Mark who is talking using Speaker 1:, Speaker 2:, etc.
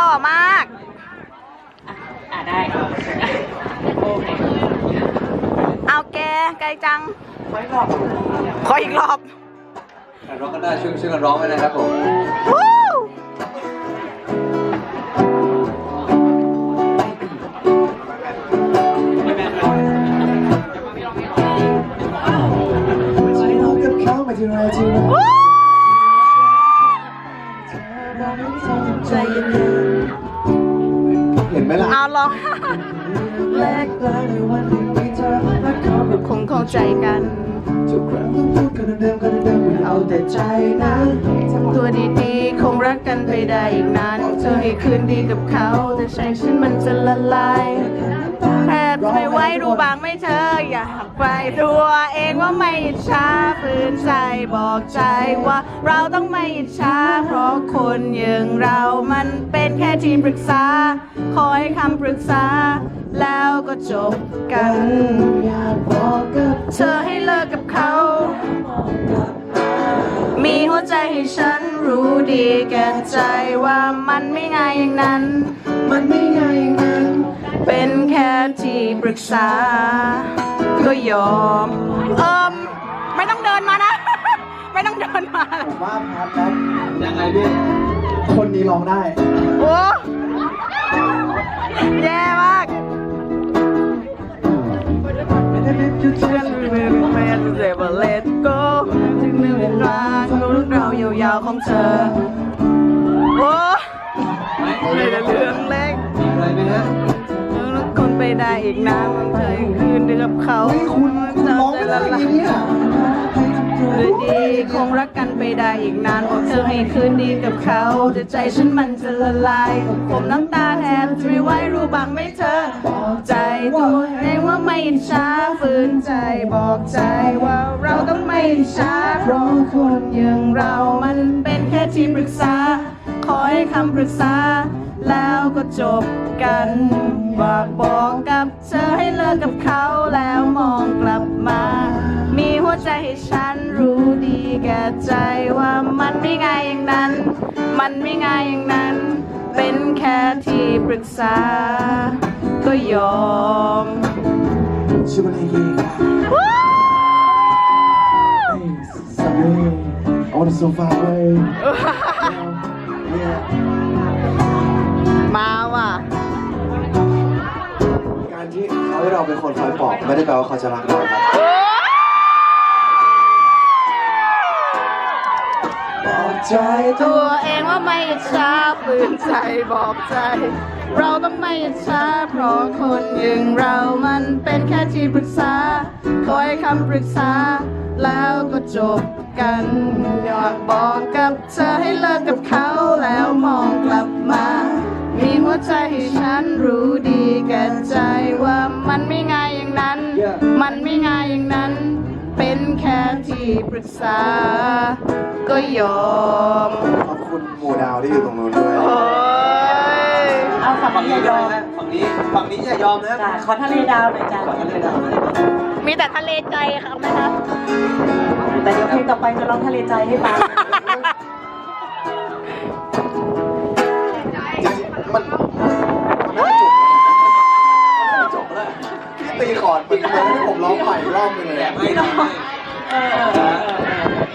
Speaker 1: ล่อมาก
Speaker 2: ได้โอเค
Speaker 1: เอาแกไกลจังขออีกรอบ
Speaker 3: ร้องกันได้ช่วยกันร้องไว้นะครับผม
Speaker 1: ใจเย็น
Speaker 3: เห็นไหมล่ะ
Speaker 1: เอาลองคงเข้าใจกันเอาแต่ใจนะทำตัวดีๆคงรักกันไปได้อีกนานเธอให้คืนดีกับเขาแต่ใจฉันมันจะละลายแทบไม่ไหวรู้บางไม่เธออยากไปตัวเองว่าไม่อิจฉาฝืนใจบอกใจว่าเราต้องไม่อิจฉาเพราะคนอย่างเรามันเป็นแค่ทีมปรึกษาคอยคำปรึกษาแล้วก็จบกันอยากบอกกับเธอให้เลิกกับเขามีหัวใจให้ฉันรู้ดีแก่ใจว่ามันไม่ง่ายอย่างนั้นมันไม่ง่ายอย่างนั้นเป็นแค่ที่ปรึกษาก็ยอมไม่ต้องเดินมานะ ไม่ต้องเดินมา
Speaker 3: ผมว่าครับยังไงพี่คนนี้ร้องได้
Speaker 1: โอ้แย่มากเชื่อแม่จะเจ็บเลตโก้ถึงหนึ่งรักรู้เรายาวๆของเธอโอ้ไม่ได้เรื่องเล็ก
Speaker 3: อะไรไหมฮะ
Speaker 1: คนไปได้อีกนานมันเคยคืนเดือบเขา
Speaker 3: คุณร้องอะไรเนี่ย
Speaker 1: เลยดีคงรักกันไปได้อีกนานบอกเธอให้คืนดีกับเขาแต่ใจฉันมันจะละลายผมน้ำตาแทบจะไม่ไหวรู้บ้างไหมเธอบอกใจตัวเองว่าไม่อิจฉาฝืนใจบอกใจว่าเราต้องไม่อิจฉาเพราะคนอย่างเรามันเป็นแค่ที่ปรึกษาขอให้คำปรึกษาแล้วก็จบกันบอกกับเธอให้เลิกกับเขาแล้วมองกลับมามีหัวใจให้ฉันรู้ดีแก่ใจว่ามันไม่ง่ายอย่างนั้นมันไม่ง่ายอย่างนั้นเป็นแค่ที่ปรึกษาก็ยอม
Speaker 3: ชื่อมันเองสัมเล่ on the sofa way
Speaker 1: มาว่ะ
Speaker 3: การที่เขาให้เราเป็นคนคอยปลอบไม่ได้แปลว่าเขาจะรักเราครับบอกใจ
Speaker 1: ตัวเองว่าไม่อิจฉาฝืนใจบอกใจเราต้องไม่อิจฉาเพราะคนอย่างเรามันเป็นแค่ที่ปรึกษาคอยคำปรึกษาแล้วก็จบกันอยากบอกกับเธอให้เลิกกับเขาแล้วมองกลับมามีหัวใจให้ฉันรู้ดีแก่ใจว่ามันไม่ง่ายอย่างนั้นมันไม่ง่ายอย่างนั้นเป็นแค่ที่ปรึกษาก็ยอม
Speaker 3: ขอบคุณหมู่ดาวที่อยู่ตรงนู้นด้วย
Speaker 2: เอาฝั่งนี้อย่ายอม
Speaker 3: ฝั่งนี้อย่ายอมนะ
Speaker 2: ขอทะเลดาวหน่อยจ้ะ
Speaker 3: ขอทะเลดาว
Speaker 1: มีแต่ทะเลใจค่ะไหมคะ
Speaker 2: แต่เดี๋ยวเพลงต่อไปจะร้องทะเลใจให้ฟัง
Speaker 3: มันไม่จบแล้วพี่ตีคอร์ดมันให้ผมร้องใหม่รอบนึงเลย
Speaker 2: ไม่